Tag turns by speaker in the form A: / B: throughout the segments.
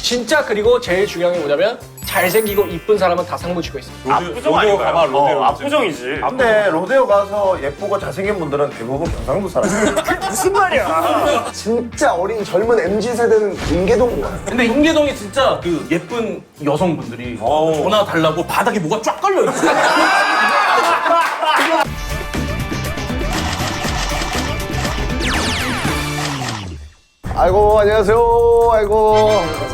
A: 진짜 그리고 제일 중요한 게 뭐냐면 잘생기고 이쁜 사람은 다 상부 주고 있어요.
B: 압구정 아닌가요?
C: 로데오.
B: 압구정이지.
C: 근데 로데오 가서 예쁘고 잘생긴 분들은 대부분 경상도 사람이에요.
B: 무슨 말이야?
D: 진짜 어린 젊은 MZ세대는 인계동 거야.
E: 근데 인계동에 진짜 그 예쁜 여성분들이 전화 달라고 바닥에 뭐가 쫙 걸려 있어.
D: 아이고 안녕하세요. 아이고.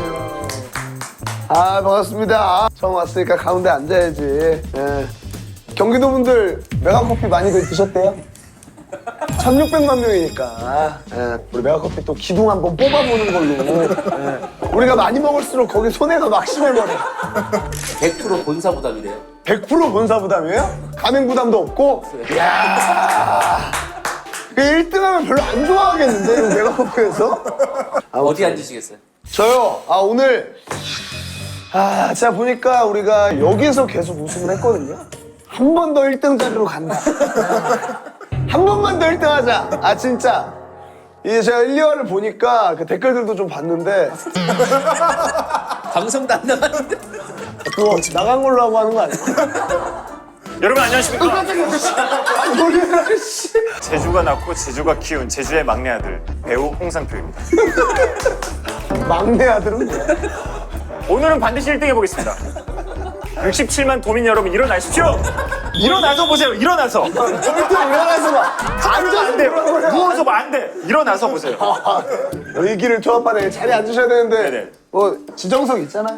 D: 아 반갑습니다. 처음 왔으니까 가운데 앉아야지. 예. 경기도 분들 메가커피 많이 드셨대요? 1,600만 명이니까 예. 우리 메가커피 또 기둥 한번 뽑아보는 걸로. 예. 우리가 많이 먹을수록 거기 손해가 막심해버려.
F: 100% 본사 부담이래요.
D: 100% 본사 부담이에요? 가맹 부담도 없고? 이야. 그 1등하면 별로 안 좋아하겠는데, 이거 메가커피에서?
F: 어디 앉으시겠어요?
D: 저요? 오늘. 제가 보니까 우리가 여기서 계속 우승을 했거든요? 한 번 더 1등 자리로 간다. 한 번만 더 1등 하자. 진짜. 이제 제가 1, 2화를 보니까 그 댓글들도 좀 봤는데,
F: 방송도 안 나갔는데.
D: 그거 나간 걸로 하고 하는 거 아니야?
B: 여러분 안녕하십니까?
D: 놀래라, 씨.
B: 제주가 낳고 제주가 키운 제주의 막내 아들 배우 홍상표입니다.
D: 막내 아들은 뭐야?
B: 오늘은 반드시 1등 해보겠습니다. 67만 도민 여러분 일어나십시오. 일어나서 보세요. 일어나서.
D: 절대 일어나서 봐.
B: 앉아서 안 돼요. 누워서 봐 안 돼. 일어나서 보세요.
D: 의기를 조합하네. 자리에 앉으셔야 되는데
B: 네네.
D: 뭐 지정석 있잖아요.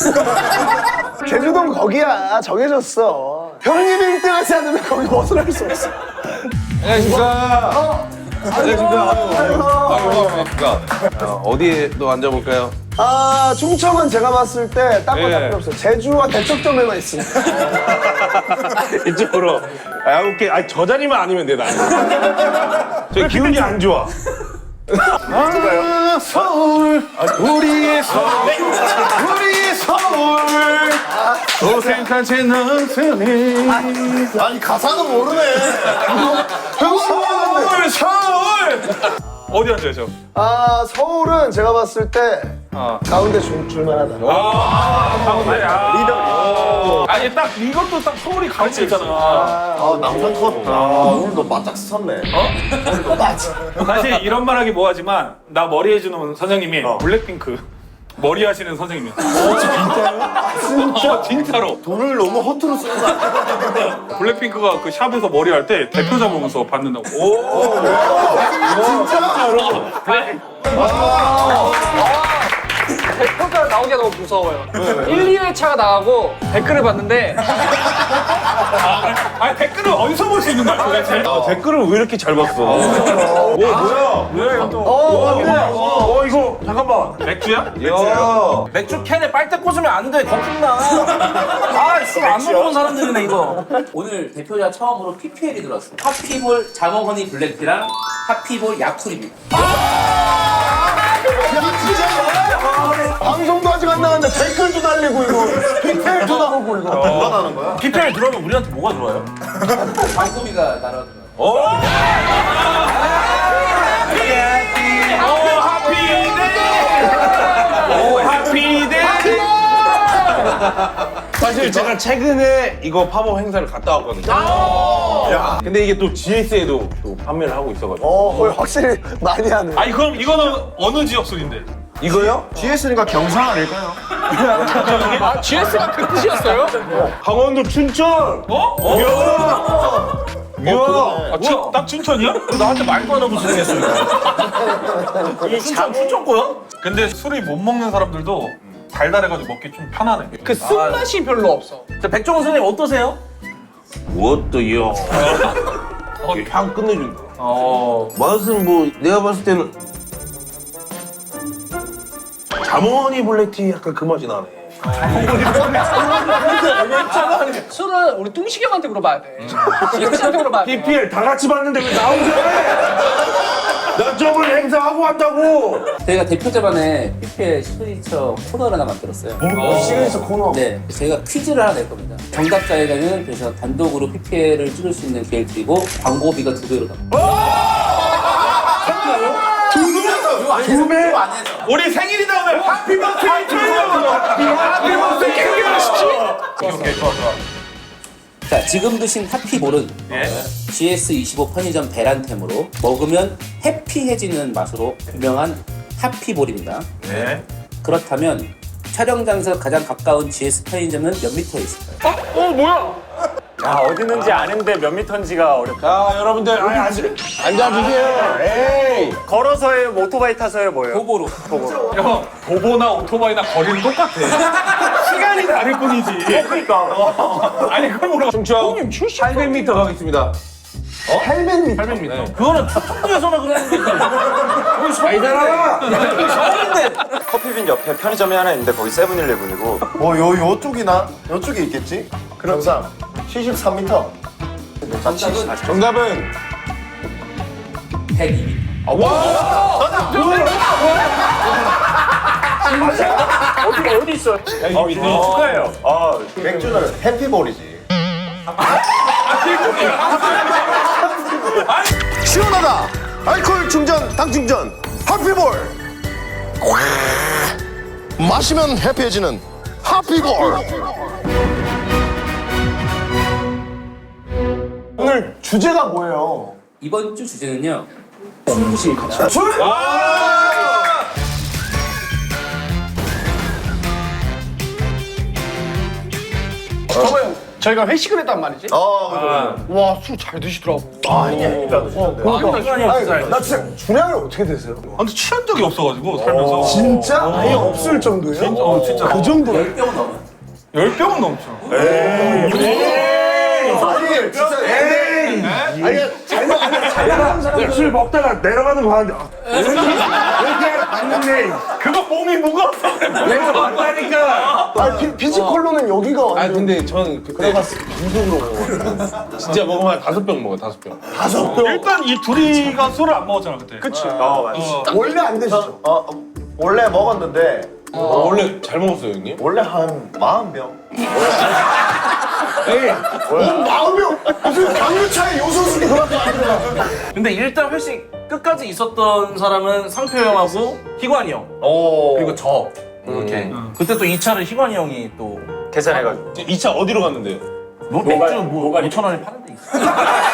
D: 제주도는 거기야. 정해졌어. 형님 1등 하지 않으면 거기 벗어날 수 없어.
G: 안녕하십니까. 안녕하십니까. 어디에 또 앉아볼까요?
D: 충청은 제가 봤을 때 딴 거 다
G: 예.
D: 필요 없어요. 제주와 대척점에만 있습니다.
G: 이쪽으로. 오케이. 저 자리만 아니면 돼, 나는. 저 기운이 안 좋아. 서울, 우리의 서울, 우리의 서울. 도생한 제 능선에.
D: 아니 가사는 모르네.
G: 서울, 서울. 어디 앉아요, 저?
D: 서울은 제가 봤을 때 가운데 줄만하다.
E: 아니 딱 이것도 딱 서울이 가운데 있잖아.
C: 남산 컷. 오늘도 바짝 섰네.
E: 사실 이런 말하기 뭐하지만 나 머리 해주는 선생님이 블랙핑크 머리 하시는 선생님이야. 진짜요? 진짜로.
C: 돈을 너무 허투루 쓰는 거 아니야?
E: 블랙핑크가 그 샵에서 머리 할 때 대표 잡으면서 받는다고.
A: 댓글가 나오기가 너무 무서워요. 1, 2회차가 나가고 댓글을 봤는데
E: 아니 댓글을 어디서 볼 수 있는 거야 도대체?
G: 댓글을 왜 이렇게 잘 봤어?
E: 뭐야? 왜 또?
G: 이거, 잠깐만.
E: 맥주야?
G: 야.
E: 맥주 캔에 빨대 꽂으면 안 돼. 거품나. 술안 먹어본 사람들이네 이거.
F: 오늘 대표자 처음으로 PPL이 들어왔어요. 하피볼 자몽허니 블랙티랑 하피볼 야쿨입니다.
D: 방송도 아직 안 나갔는데 댓글도 달리고 이거 빅테일도 나오고 이거.
C: 누가 나는 거야?
E: PPL 들어오면 우리한테 뭐가 들어와요?
F: 광고비가 날아가더라고요.
E: 하피데.
G: 사실 제가 최근에 이거 팝업 행사를 갔다 왔거든요. 근데 이게 또 GS에도 또 판매를 하고 있어가지고.
D: 거의 확실히 많이 하네.
E: 아니 그럼 이거는 어느 지역 술인데?
G: 이거요?
C: GS니까 경상 아닐까요?
A: GS가 그 뜻이었어요?
G: 강원도 춘천!
E: 딱 춘천이야? 나한테 말도 안 하고 진행했어 이거. 춘천 거야? 근데 술이 못 먹는 사람들도 달달해가지고 먹기 좀 편하네.
A: 그 쓴맛이 별로 없어.
E: 백종원 선생님 어떠세요?
G: 무엇도요? 향 끝내준다.
E: 어.
G: 맛은 뭐 내가 봤을 때는 자몽허니 블랙티 약간 그 맛이 나네.
A: 술은 우리 뚱식이 형한테 물어봐야 돼. 뚱식이한테 물어봐야 돼.
G: PPL 다 같이 봤는데 왜 나 혼자 해? 나 저번 행사하고 한다고.
F: 저희가 대표자반에 PPL 시그니처 코너를 하나 만들었어요.
D: 시그니처 코너.
F: 네, 저희가 퀴즈를 하나 낼 겁니다. 정답자에게는 그래서 단독으로 PPL을 찍을 수 있는 기회를 드리고 광고비가 2배로 나옵니다.
G: 두 배?
F: 안 해서.
E: 우리 생일이다 오늘. 해피 버스데이 투 유.
F: 자, 지금 드신 하피볼은 GS25 편의점 배란템으로 먹으면 해피해지는 맛으로 유명한 하피볼입니다.
E: 네.
F: 그렇다면 촬영장에서 가장 가까운 GS 편의점은 몇 미터에 있을까요?
B: 야, 어디 있는지 아는데 몇 미터인지가 어렵다.
G: 자, 여러분들 앉아주세요. 에이.
B: 걸어서 해요, 뭐 오토바이 타서 해요, 뭐예요?
F: 도보로.
E: 형, 도보나 오토바이나 거리는 똑같아. 시간이 다를 뿐이지.
B: 그러니까.
E: 아니, 그걸 뭐라고.
G: 충청 800m 가겠습니다.
D: 800m.
G: 800m.
F: 그거는 북부에서나 그러는 거지.
G: 아니잖아.
B: 커피빈 옆에 편의점이 하나 있는데 거기 세븐일레븐이고.
C: 뭐 요쪽이나 요쪽에 있겠지? 그럼 73m.
G: 정답은
F: 102m.
B: 어디 있어요? 축하해요.
C: 맥주는 해피볼이지. 시원하다. 알코올 충전, 당 충전. 해피볼. 마시면 해피해지는 해피볼.
D: 오늘 주제가 뭐예요?
F: 이번 주 주제는요. 술부시입니다.
D: 술?
A: 저번에 저희가 회식을 했단 말이지.
C: 그죠.
A: 와, 술 잘 드시더라고.
C: 그러니까 드셨는데.
D: 아니, 나 진짜 주량이 어떻게 되세요?
E: 아, 근데 취한 적이 없어가지고, 살면서.
D: 진짜? 아예 없을 정도예요?
E: 진짜.
D: 그 정도로?
F: 10병은 넘어요.
E: 10병은 넘죠.
G: 술 먹다가 내려가는 거 봤는데 맞는데
E: 그거 몸이 무거워서 그래.
G: 내가 맞다니까.
D: 아니, 피지컬로는 여기가
G: 아
D: 완전
G: 근데 저는 그때 방송으로 먹어요. 진짜 먹으면 한 5병 먹어 5병.
D: 5병.
E: 일단 이 둘이가 술을 안 먹었잖아, 그때. 그치.
C: 맞지.
D: 원래 안 되시죠?
C: 원래 먹었는데
G: 원래 잘 먹었어요 형님?
C: 원래 한 40병.
D: 마음이요? 무슨 강류차에 요소수이 그만큼 안 들어가.
H: 근데 일단 회식 끝까지 있었던 사람은 상표 형하고 희관이 형
C: 오.
H: 그리고 저 이렇게 그때 또 2차를 희관이 형이 또
B: 계산해가지고.
G: 2차 어디로 갔는데?
H: 맥주 뭐 5,000원에 파는 데 있어.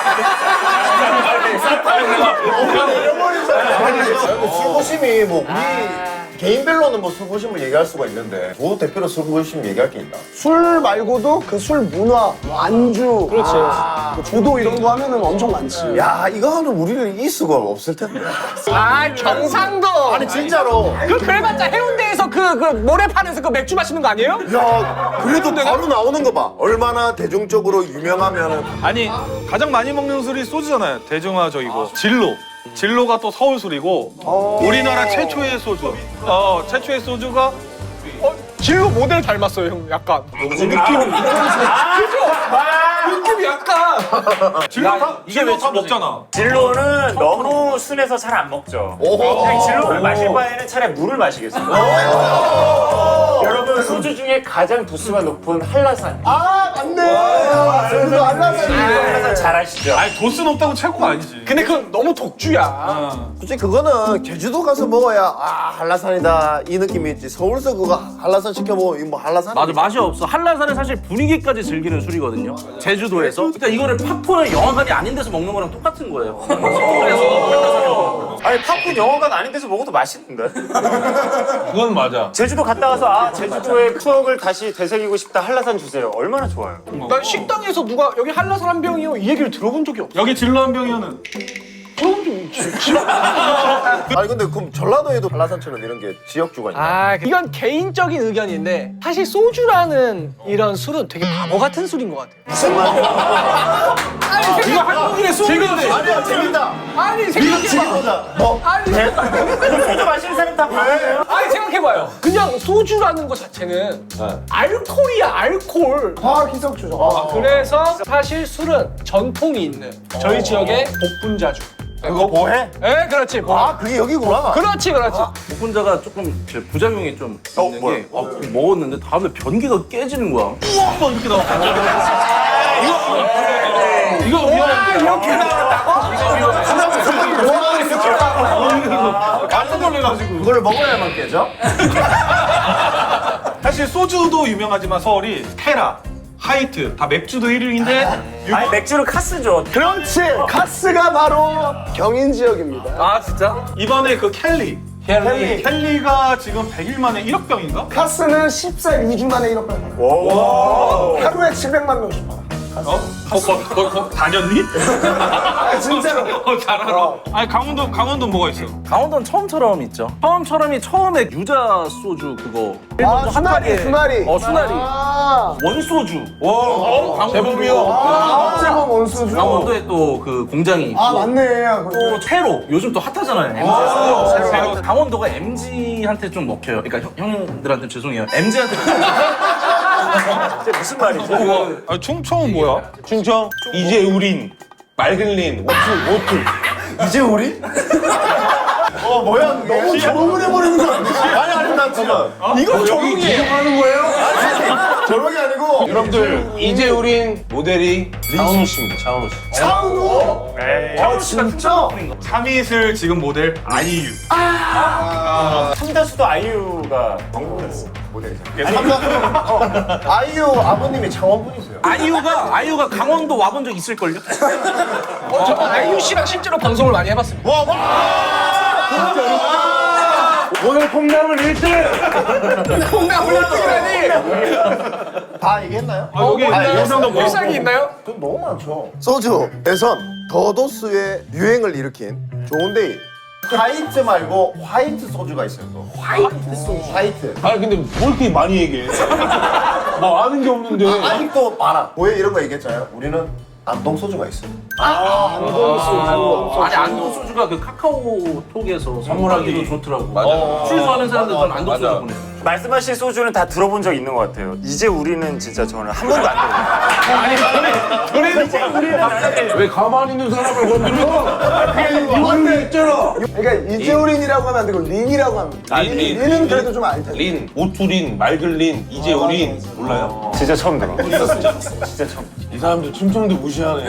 C: 술부심이 뭐 우리 개인별로는 뭐 술부심을 얘기할 수가 있는데 조 대표로 술부심 얘기할 게 있나?
D: 술 말고도 그 술 문화, 뭐 안주, 그렇지. 조도 이런 거 하면은 엄청 많지.
C: 야 이거 하면 우리는 이 수가 없을 텐데.
A: 아, 경상도.
C: 아니 진짜로.
A: 그래봤자 해운대에서 그 모래판에서 그 맥주 마시는 거 아니에요?
C: 야 그래도 바로 나오는 거 봐. 얼마나 대중적으로 유명하면은.
E: 아니, 가장 많이 먹는 술이 소주잖아요. 대중화적이고. 진로가 또 서울 술이고, 우리나라 최초의 소주. 최초의 소주가
A: 진로 모델 닮았어요, 형. 약간. 느낌이 약간.
E: 진로 다 먹잖아.
B: 진로는 너무 순해서 잘 안 먹죠. 그냥 진로를 마실 바에는 차라리 물을 마시겠습니다. 여러분 소주 중에 가장 도수가 높은 한라산.
D: 아, 맞네. 그래도 알라산이.
B: 한라산 잘 아시죠?
E: 아니, 도수 높다고 최고가 아니지.
A: 근데 그건 너무 독주야.
C: 솔직히 그거는 제주도 가서 먹어야 한라산이다 이 느낌이 있지. 서울서 그거 한라산 시켜 먹으면 이거 뭐 한라산.
H: 맞아, 맛이 없어. 한라산은 사실 분위기까지 즐기는 술이거든요. 제주도에서. 그러니까 이거를 팝콘은 영화관이 아닌 데서 먹는 거랑 똑같은 거예요. 그래서
B: 아니 팝콘 영화관 아닌 데서 먹어도 맛있는데.
G: 그건 맞아.
B: 제주도 갔다 와서 제주도의 추억을 다시 되새기고 싶다 한라산 주세요. 얼마나 좋아요.
A: 난 식당에서 누가 여기 한라산 한 병이요 이 얘기를 들어본 적이 없어.
E: 여기 진로 한 병이면은
C: 아니 근데 그럼 전라도에도 한라산처럼 이런 게 지역주가 있나?
A: 아, 이건 개인적인 의견인데 사실 소주라는 이런 술은 되게 바보 같은 술인 것 같아요.
C: 무슨 말이야?
A: 아니, 이거 한국인의 술인데.
C: 아니야 재밌다.
A: 아니, 생각해봐.
C: 보자. 뭐?
A: 아니,
B: 소주 마시는 사람 다 봐요.
A: 아니, 생각해봐요. 그냥 소주라는 것 자체는 알코올이야, 알코올.
D: 화학 희석주죠.
A: 그래서 사실 술은 전통이 있는 저희 지역의 복분자주.
B: 그거 뭐해?
A: 에, 그렇지.
C: 그게 여기구나.
A: 그렇지, 그렇지.
H: 복분자가 조금 부작용이 좀 있는
C: 뭐야?
H: 게 먹었는데 다음에 변기가 깨지는 거야.
E: 막 이렇게 나와.
A: 이거 이렇게 나왔다고?
E: 깜짝 놀래가지고.
C: 그걸 먹어야만 깨져?
E: 사실 소주도 유명하지만 서울이 테라, 하이트 다 맥주도 1위인데
B: 아니 맥주는 카스죠.
D: 그렇지. 카스가 바로 경인 지역입니다.
H: 아 진짜?
E: 이번에 그 켈리 켈리가 지금 100일 만에 1억 병인가?
D: 카스는 14일 2주 만에 1억 명 팔아.
B: 오.
D: 하루에 700만 명씩 팔아.
E: 거기 다녔니?
D: 아, 진짜로.
E: 잘 알아. 아니 강원도 뭐가 있어?
H: 강원도는 처음처럼 있죠. 처음처럼이 처음에 유자 소주 그거.
D: 아, 수나리, 수나리.
H: 수나리.
D: 아,
H: 원소주.
E: 제법이요.
D: 제법 원수주.
H: 강원도에 또 그 공장이 있고.
D: 아, 맞네.
H: 또 새로 요즘 또 핫하잖아요. MZ에서. 새로. 강원도가 MZ한테 좀 먹혀요. 그러니까 형님들한테 죄송해요. MZ한테
B: 이게 무슨 말이죠?
E: 아, 충청은 뭐야?
G: 충청 이제 우린 맑은린 오투
C: 이제 우리? 뭐야 그게? 너무 조롱을 해버리는 거 아니야? 아니 아니 난 지금
E: 이거 조용히
C: 하는 거예요? 아니 조롱이 아니고
G: 여러분들 이제 우린 모델이 차은우 씨입니다. 차은우 씨.
C: 차은우? 아 진짜?
E: 참이슬 지금 모델 아이유.
B: 삼다수도 아이유가 방문했어 모델이죠.
C: 아이유 아버님이 창원분이세요.
H: 아이유가 강원도 와본 적 있을걸요?
A: 저 아이유 씨랑 실제로 방송을 많이 해봤습니다.
G: 오늘 콩나물 1등.
A: 콩나물 1등이라니!
C: 다 얘기했나요?
E: 여기 영상도 뭐?
A: 필살기 있나요?
C: 돈 너무 많죠. 소주 대선 더도수의 유행을 일으킨 좋은데이. 화이트 말고 화이트 소주가 있어요. 또. 화이트 소주. 화이트.
G: 아니 근데 뭘 이렇게 많이 얘기해? 나 아는 게 없는데.
C: 아직도 많아. 왜 이런 거 얘기했잖아요. 우리는 안동 소주가 있어요.
H: 아니 안동 소주가 그 카카오톡에서 선물하기도 좋더라고. 맞아. 술 좋아하는 사람들은 안동 소주 보내.
B: 말씀하신 소주는 다 들어본 적 있는 것 같아요. 이제 우리는 진짜 저는 한 번도 안 들어요.
G: 왜 가만히 있는 사람을 건드려? 그게 이혼이 있잖아.
D: 그러니까 이재우린이라고 하면 안 되고 린이라고 하면 돼. 린은 그래도 좀 알 텐데.
G: 린, 오투린, 맑은린, 이제 우린 몰라요?
B: 진짜 처음 들어. 진짜 처음.
G: 이 사람들 충청도 무시하네.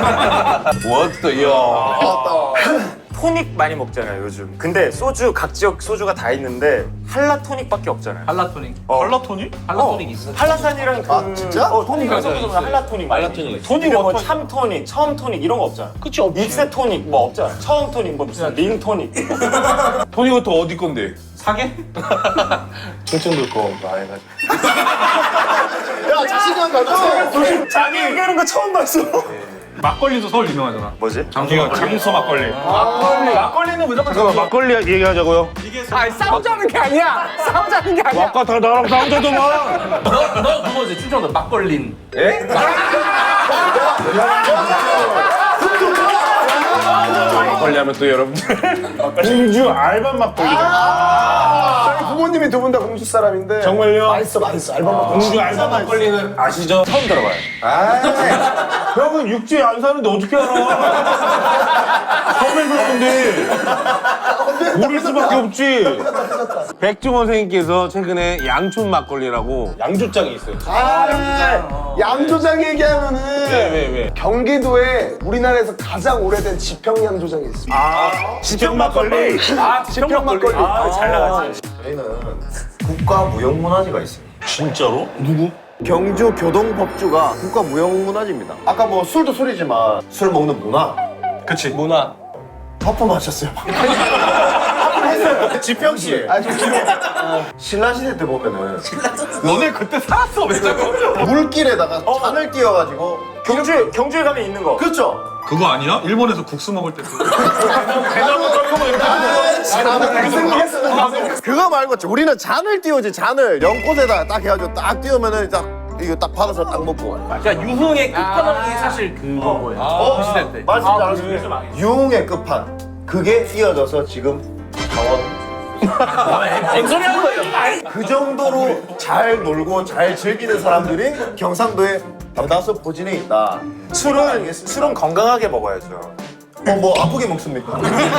G: 워터요.
B: 토닉 많이 먹잖아요 요즘. 근데 소주 각 지역 소주가 다 있는데 한라 토닉밖에 없잖아요.
H: 할라토닉.
E: 발라토니?
H: 할라토닉 있어.
B: 한라산이랑 그
C: 진짜?
B: 토닉 섞어서 한라 토닉.
G: 한라토닉.
B: 토닉 뭐참 토닉, 처음 토닉 이런 거 없잖아.
A: 그치, 없지.
B: 익세 토닉 뭐 없잖아. 처음 토닉 뭐 무슨 링 토닉.
G: 토니부터 어디 건데?
E: 사계?
G: 충청도 거 말해가지고.
C: 야 자신감 가져.
B: 자기 얘기하는 거 처음 봤어.
E: 막걸리도 서울 유명하잖아.
B: 뭐지?
E: 장수 막걸리. 막걸리는 무조건
G: 잠깐만 막걸리 얘기하자고요.
A: 아니, 싸우자는 게 아니야! 싸우자는 게 아니야!
G: 아까 다 나랑 싸우자더만.
H: 너 그거지 충청도 막걸린.
G: 막걸리 하면 또 여러분들 공주 알밤 막걸리.
D: 저희 부모님이 두 분 다 공주 사람인데.
G: 정말요?
D: 맛있어, 맛있어. 알밤 먹고.
G: 공주 알밤 막걸리는 아시죠?
B: 처음 들어봐요.
G: 형은 육지에 안 사는데 어떻게 알아? 처음 들었는데 모를 수밖에 없지. 백종원 선생님께서 최근에 양촌 막걸리라고 양조장이 있어요.
D: 양조장 얘기하면은
G: 왜?
D: 경기도에 우리나라에서 가장 오래된 지평 양조장이 있습니다.
G: 지평 막걸리.
D: 지평 막걸리.
B: 잘 나갔지.
C: 저희는 국가 무형문화재가 있어요.
G: 진짜로? 누구?
C: 경주 교동법주가 국가 무형문화재입니다. 아까 뭐 술도 술이지만 술 먹는 문화.
E: 그치.
A: 문화.
C: 퍼포먼스였어요. 지평 씨. 아, 좀 지금 신라 시대 때 보면은
E: 너네 그때 살았어 왜 자꾸?
C: 물길에다가 잔을 띄워가지고
B: 경주에 가면 있는 거.
C: 그렇죠.
E: 그거 아니야? 일본에서 국수 먹을 때 그.
C: 그거 말고 우리는 잔을 띄우지 잔을 연꽃에다 딱 해가지고 딱 띄우면은 딱 이거 딱 받아서 딱 먹고.
H: 그러니까 유흥의 끝판왕이 사실 그거 거예요. 그 시대 때.
C: 말씀 잘하시네요. 유흥의 끝판. 그게 이어져서 지금 강원.
H: 뭔 소리 하는 거예요?
C: 그 정도로 잘 놀고 잘 즐기는 사람들이 경상도에 대다수 포진해 있다.
B: 술은 건강하게 먹어야죠.
C: 뭐 아프게 먹습니까?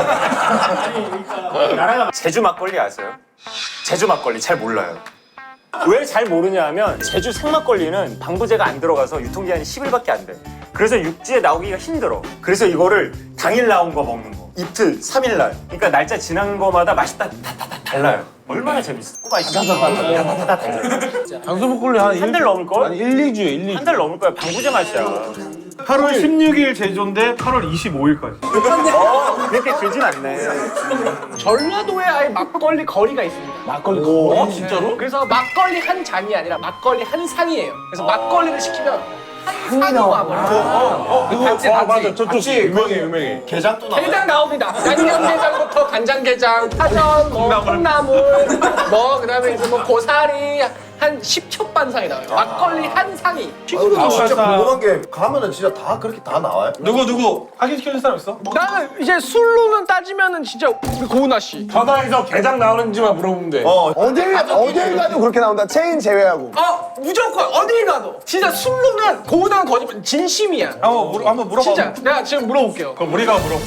B: 제주 막걸리 아세요? 제주 막걸리 잘 몰라요. 왜 잘 모르냐 하면 제주 생막걸리는 방부제가 안 들어가서 유통기한이 10일밖에 안 돼. 그래서 육지에 나오기가 힘들어. 그래서 이거를 당일 나온 거 먹는 거. 이틀, 3일날. 그러니까 날짜 지난 거마다 맛이 다 달라요. 얼마나 재밌어. 맛이 다 달라요.
G: 장수 막걸리 한
B: 달 넘을걸?
G: 아니 1, 2주에 1, 2주.
B: 한 달 넘을 거야. 방부제 맛이야.
E: 8월 16일 제조인데 8월 25일까지.
B: 그렇게 길진 않네.
A: 전라도에 아예 막걸리 거리가 있습니다.
D: 막걸리 거.
H: 진짜로?
A: 그래서 막걸리 한 잔이 아니라 막걸리 한 상이에요. 그래서 막걸리를 시키면 한 상이 와버려요.
G: 그거 맞아. 저쪽 유명해.
C: 게장도 나와요.
A: 게장 나옵니다. 양념게장부터 간장게장, 파전, 뭐 콩나물, 뭐 그다음에 이제 뭐 고사리 한 10첩 반상이 나와요. 막걸리 한 상이.
C: 아, 진짜 궁금한 게 가면은 진짜 다 그렇게 다 나와요?
E: 누구 확인시켜줄 사람 있어?
A: 나는 이제 술로는 따지면은 진짜 우리 고은아 씨.
G: 전화해서 게장 나오는지만 물어보면 돼.
D: 어딜 가도 그렇게 나온다. 체인 제외하고.
A: 무조건 어딜 가도 진짜 술로는 고은아는 거짓말 진심이야.
E: 한번 물어봐.
A: 진짜 내가 지금 물어볼게요.
E: 그럼 우리가 물어.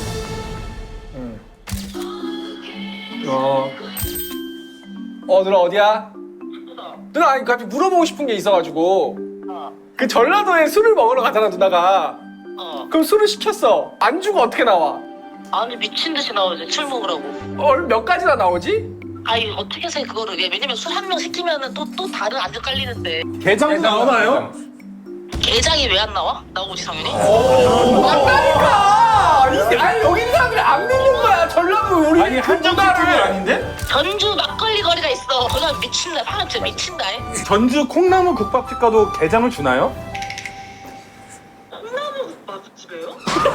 A: 누나 어디야? 누나 아니 갑자기 물어보고 싶은 게 있어가지고 그 전라도에 술을 먹으러 가잖아 누나가. 그럼 술을 시켰어. 안주가 어떻게 나와?
I: 아니 미친 듯이 나오지 술 먹으라고.
A: 몇 가지나 나오지?
I: 아니 어떻게 해서 그거를 왜냐면 술 한 명 시키면은 또 다른 안주 깔리는데
G: 게장 나오나요?
I: 게장이 왜 안 나와? 나오지 당연히.
A: 맞다니까! 아니 여기 사람들이 안 믿는 거야. 전라도 우리
E: 아니 한정식 그게 아닌데?
I: 전주 막걸리 거리가 있어. 거기가 미친다. 사람 진짜 미친다.
E: 전주 콩나물 국밥집 가도 게장을 주나요?
I: 콩나물 국밥집이에요?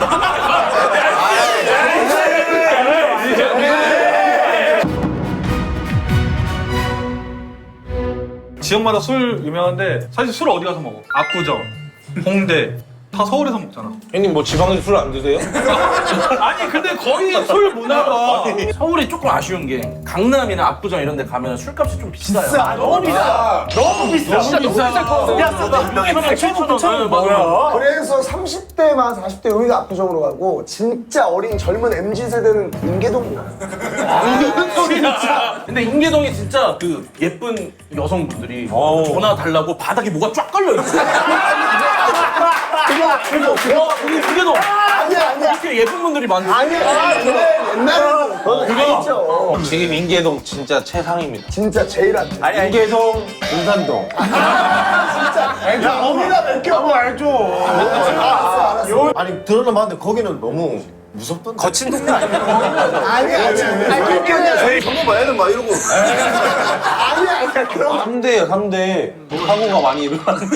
E: 지역마다 술 유명한데 사실 술 어디 가서 먹어? 압구정, 홍대 다 서울에서 먹잖아.
G: 형님 뭐 지방에서 술 안 드세요?
E: 아니 근데 거기 술 문화가
H: 서울이 조금 아쉬운 게 강남이나 압구정 이런 데 가면 술값이 좀 비싸요.
A: 너무 비싸. 너무 비싸. 진짜 너무 비쌀 거 같아.
H: 한 명에 8,000원
B: 뭐야?
D: 그래서 30대만 40대 여기가 압구정으로 가고 진짜 어린 젊은 MZ 세대는 인계동으로 가.
H: 근데 인계동이 진짜 그 예쁜 여성분들이 전화 달라고 바닥에 뭐가 쫙 걸려 있어. 우리 인계동.
D: 아니야.
H: 이렇게 예쁜 분들이 많지.
D: 아니야. 그래 옛날에는 그건 다 있죠.
G: 지금 인계동 진짜 최상입니다.
D: 진짜 제일 안 돼.
G: 인계동, 금산동.
D: 야 거기다 몇개 한번 알죠. 알았어.
C: 아니 들어는 봤는데 거기는 너무 무섭던데.
B: 거친 동네 아니야?
D: 아니야.
C: 정말 애들 막 이러고.
D: 아니야. 그럼
G: 3대예요, 3대. 사고가 많이 일어나는.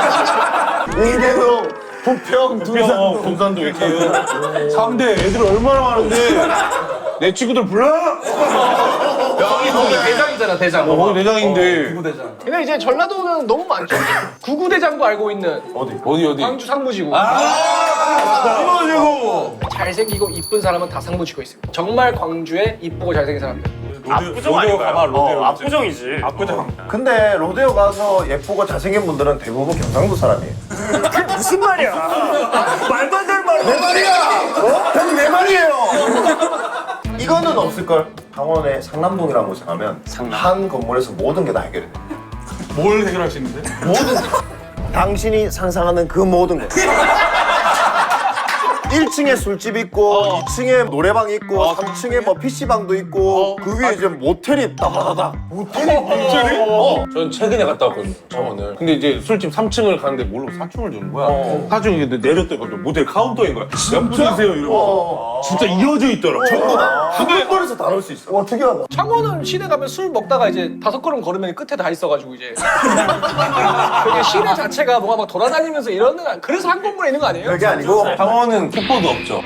D: 인계동, 부평, 두산.
G: 금산도 이렇게. 3대 애들 얼마나 많은데. 내 친구들 불러?
H: 거기 대장이잖아 대장.
G: 거기 대장인데.
H: 구구대장.
A: 근데 이제 전라도는 너무 많죠. 구구대장도 알고 있는
G: 어디?
A: 광주 상무지구.
G: 이거지고.
A: 잘생기고 이쁜 사람은 다 상무지구에 있습니다. 정말 광주에 이쁘고 잘생긴 사람들.
B: 압구정 아닌가요? 압구정이지.
E: 압구정.
C: 근데 로데오 가서 예쁘고 잘생긴 분들은 대부분 경상도 사람이에요.
B: 그게 무슨 말이야? 말도 안 되는 말을.
C: 내 말이야! 형님 내 말이에요! 이거는 없을걸? 강원의 상남동이라는 곳에 가면 한 건물에서 모든 게 다 해결해.
E: 뭘 해결할 수 있는데?
C: 당신이 상상하는 그 모든 것. 1층에 술집 있고 2층에 노래방 있고 3층에 뭐 PC방도 있고 그 위에 이제 모텔이 따다다다. 모텔이?
G: 전 최근에 갔다 왔거든요, 창원을. 근데 이제 술집 3층을 가는데 모르고 4층을 주는 거야. 4층에 내렸더니 모델 카운터인 거야. 몇 분이세요? 이러고. 진짜 이어져 있더라. 전부 다.
C: 한 건물에서 다 넣을 수 있어.
D: 와 특이하다.
A: 창원은 시내 가면 술 먹다가 이제 5걸음 걸으면 끝에 다 있어가지고 이제 그게 시내 자체가 뭐가 막 돌아다니면서 이러는 거 그래서 한 건물에 있는 거 아니에요?
C: 그게 아니고
G: 창원은 킥보드 없죠.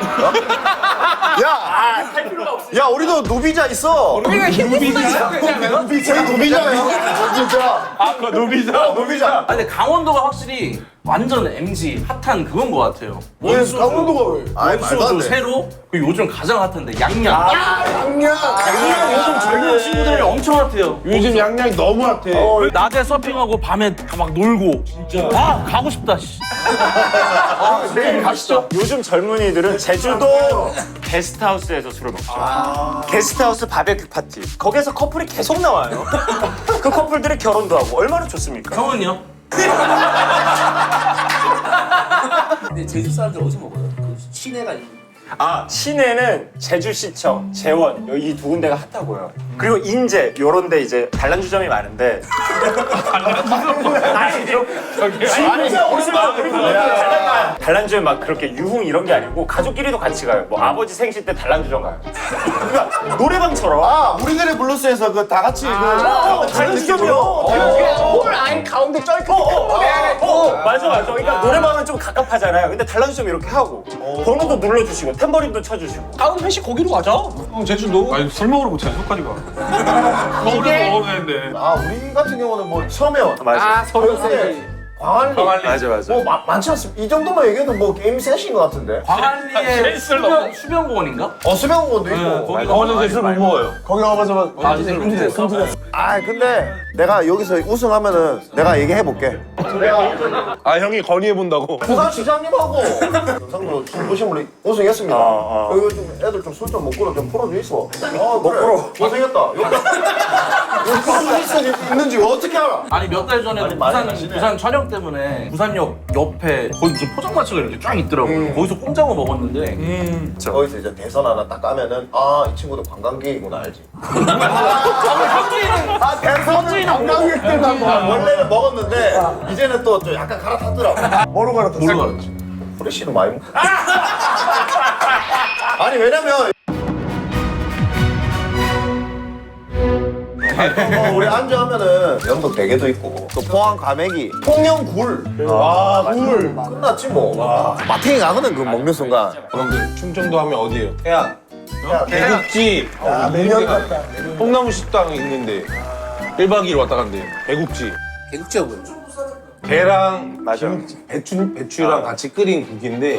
C: 야 우리도 노비자 있어.
A: 우리가 힘들다 생각하면
C: 저희 노비자예요. 진짜.
E: 그 노비자.
C: 노비자.
H: 아 근데 강원도가 확실히 완전 MG 핫한 그건 것 같아요. 원소주,
D: 강원도가 왜?
C: 아이 말도 안
H: 원소주
C: 돼.
H: 새로 그리고 요즘 가장 핫한데 양양.
D: 양양.
H: 요즘 젊은 친구들이 엄청 핫해요.
G: 요즘 양양이 너무 핫해.
H: 낮에 서핑하고 밤에 다 막 놀고. 진짜. 아 가고 싶다. 씨.
B: 내일 가시죠. 요즘 젊은이들은 제주도 게스트하우스에서 술을 먹죠. 게스트하우스 바베큐 파티. 거기에서 커플이 계속 나와요. 그 커플들이 결혼도 하고 얼마나 좋습니까?
H: 형은요?
F: 근데 제주 사람들 어디서 먹어요? 그 시내가 있는
B: 아, 시내는 제주시청, 재원 이 두 군데가 핫하고요. 그리고 인제 요런 데 이제 단란주점이 많은데 아니 진짜 단란주에 막 그렇게 유흥 이런 게 아니고 가족끼리도 같이 가요. 뭐 아버지 생신 때 단란주점 가요. 그러니까 노래방처럼
C: 아 우리들의 블루스에서 그 다 같이
B: 단란주점이요.
A: 홀 아예 가운데 쩔
B: 맞아. 그러니까 노래방은 좀 갑갑하잖아요. 근데 단란주점 이렇게 하고 번호도 눌러주시고 탬버린도 쳐주시고.
A: 다음 회식 거기로 가자. 형 제주도.
E: 아니 술 먹으러 뭐 제주도까지 가.
A: 이게-
E: 먹으면 되는데.
C: 아 우리 같은 경우는 뭐 서면
B: 맞아.
A: 서울
C: 광안리
B: 맞아.
C: 뭐 많지 않습니다. 이 정도만 얘기해도 뭐 게임 셋인 것 같은데.
F: 광안리에 수변공원인가?
C: 수명원도 있고.
F: 거기
G: 강원도에서 술 못 먹어요.
D: 거기 가봐서
C: 아 근데 내가 여기서 우승하면은 내가 얘기해 볼게.
G: 아 형이 건의해 본다고.
C: 부산시장님하고 경상도 중부심으로 우승했습니다. 이거 좀 애들 좀 술 좀 먹고로 좀 풀어주있어. 먹고로 고생했다. 여기 있는지 어떻게 알아?
F: 아니 몇 달 전에 부산 촬영 때문에 부산역 옆에 거기 무슨 포장마차가 이렇게 쫙 있더라고요. 거기서 꼼장어 먹었는데
C: 거기서 이제 대선 하나 딱 까면은 아 이 친구도 관광객이구나 알지. 아 대선은 관광객들만 원래는 먹었는데 이제는 또 좀 약간 갈아탔더라고.
D: 뭐로 갈아탔어?
F: 뭘로 갈았지?
C: 프레쉬도 많이 먹. 아니 왜냐면 우리 안주하면은 영덕 대게도 있고 또 포항 가메기 통영굴 굴 끝났지 뭐. 마탱이 가거든 그 먹는 순간.
G: 형들 충청도 하면 어디예요? 태안.
C: 야,
G: 배국지.
D: 매년 같다.
G: 뽕나무 식당 있는데 1박 2일 왔다 간대요. 배국지.
F: 개국지가 뭐였죠?
G: 배랑
B: 맞아.
G: 배추랑 같이 끓인 국인데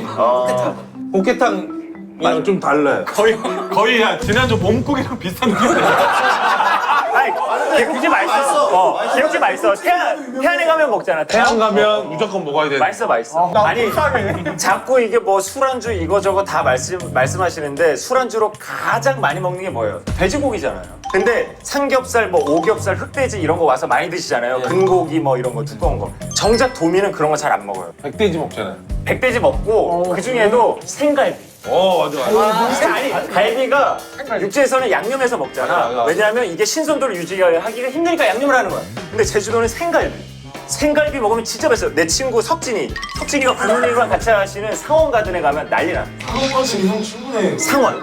G: 꽃게탕이랑 좀 달라요.
E: 거의 야, 지난주 몸국이랑 비슷한 느낌.
B: 아니, 개국지 맛있어. 개국지 맛있어. 태안에 가면 먹잖아.
G: 태안 가면 무조건 먹어야 되는데.
B: 맛있어. 아니, 자꾸 이게 뭐 술안주 이거저거 다 말씀하시는데 술안주로 가장 많이 먹는 게 뭐예요? 돼지고기잖아요. 근데 삼겹살, 뭐 오겹살, 흑돼지 이런 거 와서 많이 드시잖아요. 근고기 뭐 이런 거 두꺼운 거. 정작 도민은 그런 거 잘 안 먹어요.
G: 백돼지 먹잖아요.
B: 백돼지 먹고 그 중에도 생갈비.
G: 맞아.
B: 아니 갈비가 육지에서는 양념해서 먹잖아.
G: 맞아.
B: 왜냐하면 이게 신선도를 유지하기가 힘드니까 양념을 하는 거야. 근데 제주도는 생갈비 먹으면 진짜 맛있어. 내 친구 석진이가 부모님이랑 같이 하시는 상원 가든에 가면 난리나.
C: 한번씩 형 충분해.
B: 상원.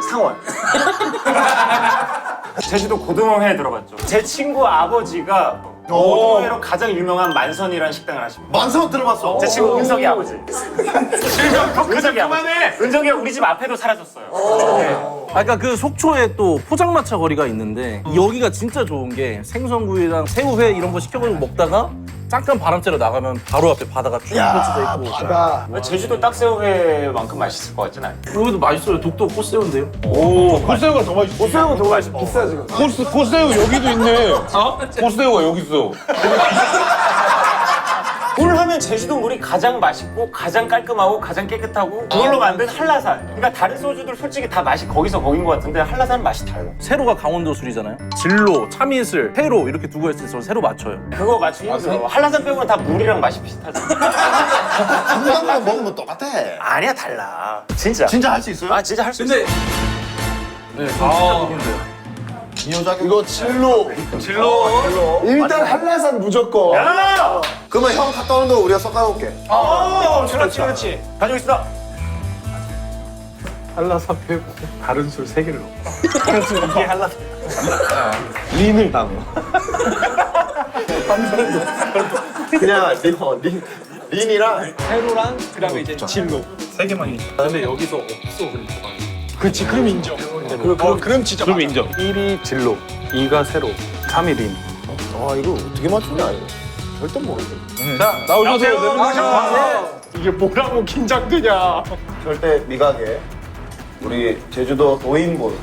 B: 제주도 고등어회에 들어갔죠. 제 친구 아버지가 고등어회로 가장 유명한 만선이라는 식당을 하십니다.
C: 만성 들어봤어.
B: 제 친구 은석이 아버지. 은석이 아버지. 은석이가 우리 집 앞에도 사라졌어요.
F: 아까 그 속초에 또 포장마차 거리가 있는데 여기가 진짜 좋은 게 생선구이랑 새우회 이런 거 시켜가지고 먹다가 잠깐 바람 쐬러 나가면 바로 앞에 바다가 쭉 펼쳐져 있고
D: 바다.
B: 제주도 딱새우회만큼 맛있을 것 같진 않아요.
F: 여기도 맛있어요. 독도 꽃새우인데요.
G: 코스새우가 더 맛있어.
D: 새우가 더 비싸 지금.
G: 코스새우 여기도 있네. 코스새우가 여기 있어.
B: 물 하면 제주도 물이 가장 맛있고 가장 깔끔하고 가장 깨끗하고 그걸로 만든 한라산. 그러니까 다른 소주들 솔직히 다 맛이 거기서 거긴 것 같은데 한라산은 맛이 달라.
F: 세로가 강원도 술이잖아요. 진로, 참이슬, 회로 이렇게 두고 했을 때 세로 맞춰요.
B: 그거 맞추기 힘들어. 한라산 빼고는 다 물이랑 맛이 비슷하잖아.
C: 한국만 먹으면 똑같아.
B: 아니야 달라. 진짜.
C: 진짜 할 수 있어요?
B: 아 진짜 할 수 있어.
F: 네, 저 진짜 보기 힘들어요.
C: 이거 진로.
D: 일단 한라산 무조건.
B: 야!
C: 그러면 형 갔다 오는 거 우리가 섞어놓을게.
B: 그렇지. 가지고 있어.
A: 한라산 빼고 다른 술 3개를 넣어.
B: 이게 한라산.
G: 린을 담아.
C: 그냥 린이랑
A: 세로랑 그다음에 이제 진로.
E: 3개만 있어.
A: 근데 여기서 없어 그러니까. 그렇지 그럼 인정. 그럼 진짜
G: 그럼 인정.
A: 1이 진로, 2가 세로, 3이 린.
C: 아 이거 어떻게 맞추냐 이거. 절대 모르겠어.
G: 자 나오셔서
A: 이게 뭐라고 긴장되냐.
C: 절대 미각에 우리 제주도 도인분.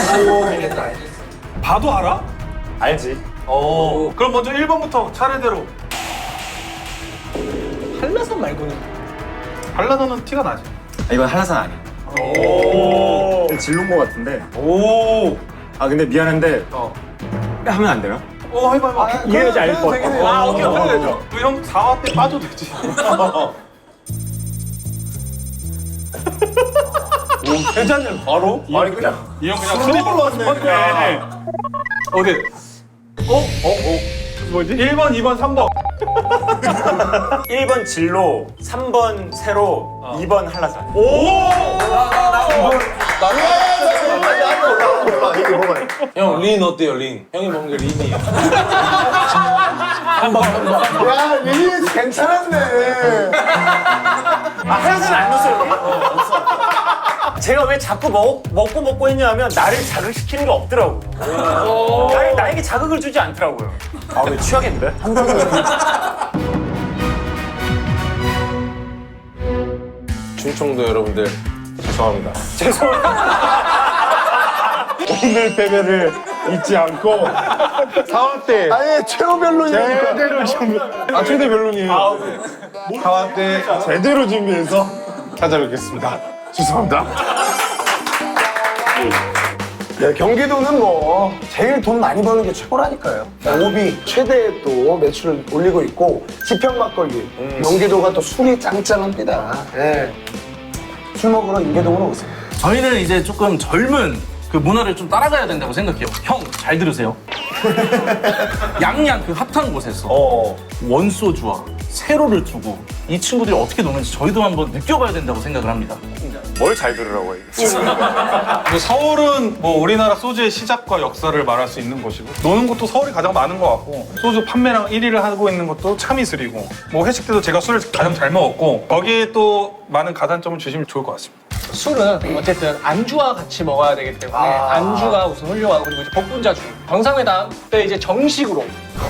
E: 봐도 알아?
B: 알지.
E: 그럼 먼저 1번부터 차례대로.
A: 한라산 말고는
E: 한라산은 티가 나지.
B: 이건 한라산 아니야. 오. 진로인 것 같은데.
E: 오.
B: 아 근데 미안한데 하면 안 돼요?
E: 해봐.
B: 이해하지 않을 것 같아.
E: 오케이. 형 4화 때 빠져도 되지.
G: 세 잔을 바로?
C: 아니 그냥
E: 이 형 그냥 술이
C: 왔네.
E: 어디? 뭐지? 1번, 2번, 3번.
B: 1번 진로, 3번 세로, 2번 한라산.
C: 몰라 이게 뭐가
G: 형, 린 어때요, 린? 형이 먹는 게 린이에요.
D: 야, 미니 괜찮았네.
B: 한라산 안 넣었어요. 제가 왜 자꾸 먹고 했냐면 나를 자극시키는 게 없더라고. 나에게 자극을 주지 않더라고요. 아, 왜 취하겠는데?
G: 충청도 여러분들, 죄송합니다. 오늘 패배를 잊지 않고 4화 때
D: 아예 최후별론이니까.
G: 제대로 준비. 최대 별론이에요. 4화 때 제대로 준비해서 찾아뵙겠습니다. 죄송합니다.
D: 네, 경기도는 뭐 제일 돈 많이 버는 게 최고라니까요. 오비 최대 또 매출을 올리고 있고 지평 막걸리. 경기도가 또 술이 짱짱합니다. 예. 술 먹으러 인계동으로 오세요.
H: 저희는 이제 조금 젊은 그 문화를 좀 따라가야 된다고 생각해요. 형, 잘 들으세요. 양양 그 핫한 곳에서 원소주와 세로를 두고 이 친구들이 어떻게 노는지 저희도 한번 느껴봐야 된다고 생각을 합니다.
B: 뭘 잘 들으라고 해.
E: 뭐 서울은 뭐 우리나라 소주의 시작과 역사를 말할 수 있는 곳이고 노는 곳도 서울이 가장 많은 것 같고 소주 판매량 1위를 하고 있는 것도 참이슬이고 뭐 회식 때도 제가 술을 가장 잘 먹었고 거기에 또 많은 가산점을 주시면 좋을 것 같습니다.
A: 술은 어쨌든 안주와 같이 먹어야 되기 때문에 안주가 우선 훌륭하고 그리고 이제 복분자주 정상회담 때 이제 정식으로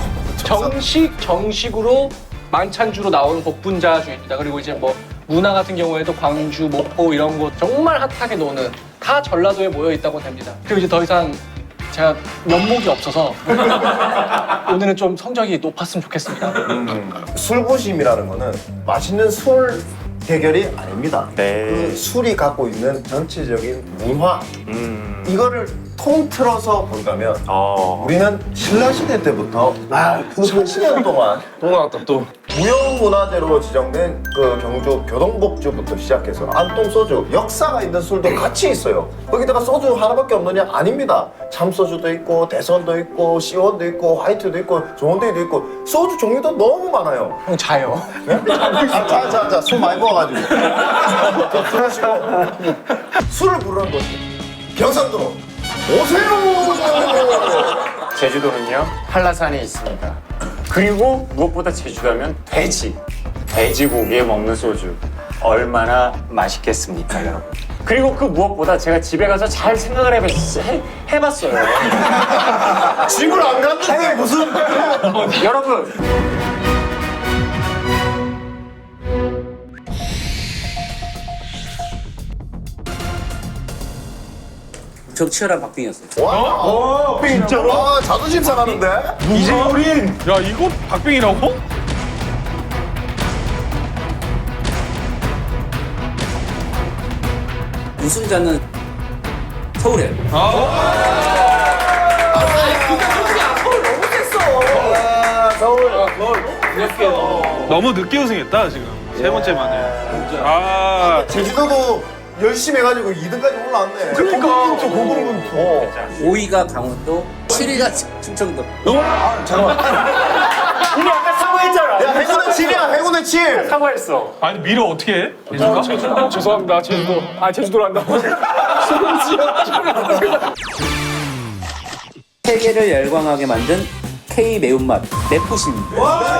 A: 만찬주로 나오는 복분자주입니다. 그리고 이제 뭐 문화 같은 경우에도 광주, 목포 이런 곳 정말 핫하게 노는 다 전라도에 모여 있다고 됩니다. 그리고 이제 더 이상 제가 면목이 없어서 오늘은 좀 성적이 높았으면 좋겠습니다.
C: 술부심이라는 거는 맛있는 술 대결이 아닙니다.
B: 네.
C: 그 술이 갖고 있는 전체적인 문화 이거를 통틀어서 본다면 우리는 신라시대 때부터 1000년 동안
G: 또 나왔다, 또.
C: 무형문화재로 지정된 그 경주 교동복주부터 시작해서 안동소주 역사가 있는 술도 같이 있어요. 거기다가 소주 하나밖에 없느냐? 아닙니다. 참소주도 있고 대선도 있고 시원도 있고 화이트도 있고 좋은데도 있고 소주 종류도 너무 많아요.
A: 형 자요.
C: 자, 술 많이 먹어가지고. 그러시고 술을 부르는 곳이 경상도 오세요.
B: 제주도는요, 한라산이 있습니다. 그리고 무엇보다 제주도하면 돼지고기에 먹는 소주. 얼마나 맛있겠습니까, 여러분? 그리고 그 무엇보다 제가 집에 가서 잘 생각을 해봤어요.
C: 집을 안 갔는데 무슨
B: 여러분,
J: 적 치열한 박빙이었어요.
C: 진짜로? 아, 자존심 상하는데?
E: 이재우린! 야 이거 박빙이라고?
J: 우승자는 서울이에요.
E: 너무 늦게 우승했다 지금 세 번째 만에.
C: 제주도도 열심히 해가지고 2등까지 올라왔네. 그러니까. 고군분투.
J: 5위가 강원도, 7위가 충청도.
B: 우리 아까 사과했잖아.
C: 야, 해군의 7이야, 해군의 7.
B: 사과했어.
E: 아니 미래 어떻게 해?
A: 죄송합니다. 제주도로 한다고.
J: 세계를 열광하게 만든 K 매운맛 맵푸시입니다.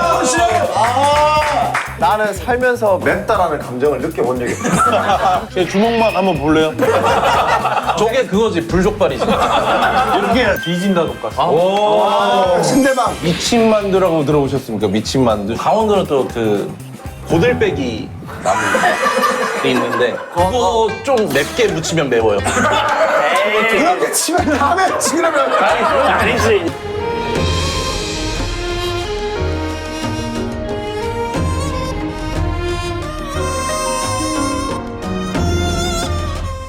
C: 나는 살면서 맵다라는 감정을 느껴본 적이 없어.
G: 제 주먹만 한번 볼래요?
H: 저게 그거지, 불족발이지.
G: 이렇게 뒤진다, 똑같아.
D: 신대방.
G: 미친만두라고 들어보셨습니까? 미친만두.
H: 강원도는 또 그 고들빼기 나물이 있는데 그거 좀 맵게 무치면 매워요.
D: 그렇게 치면 다음에 지그러면
B: 아니, 그건 아니지.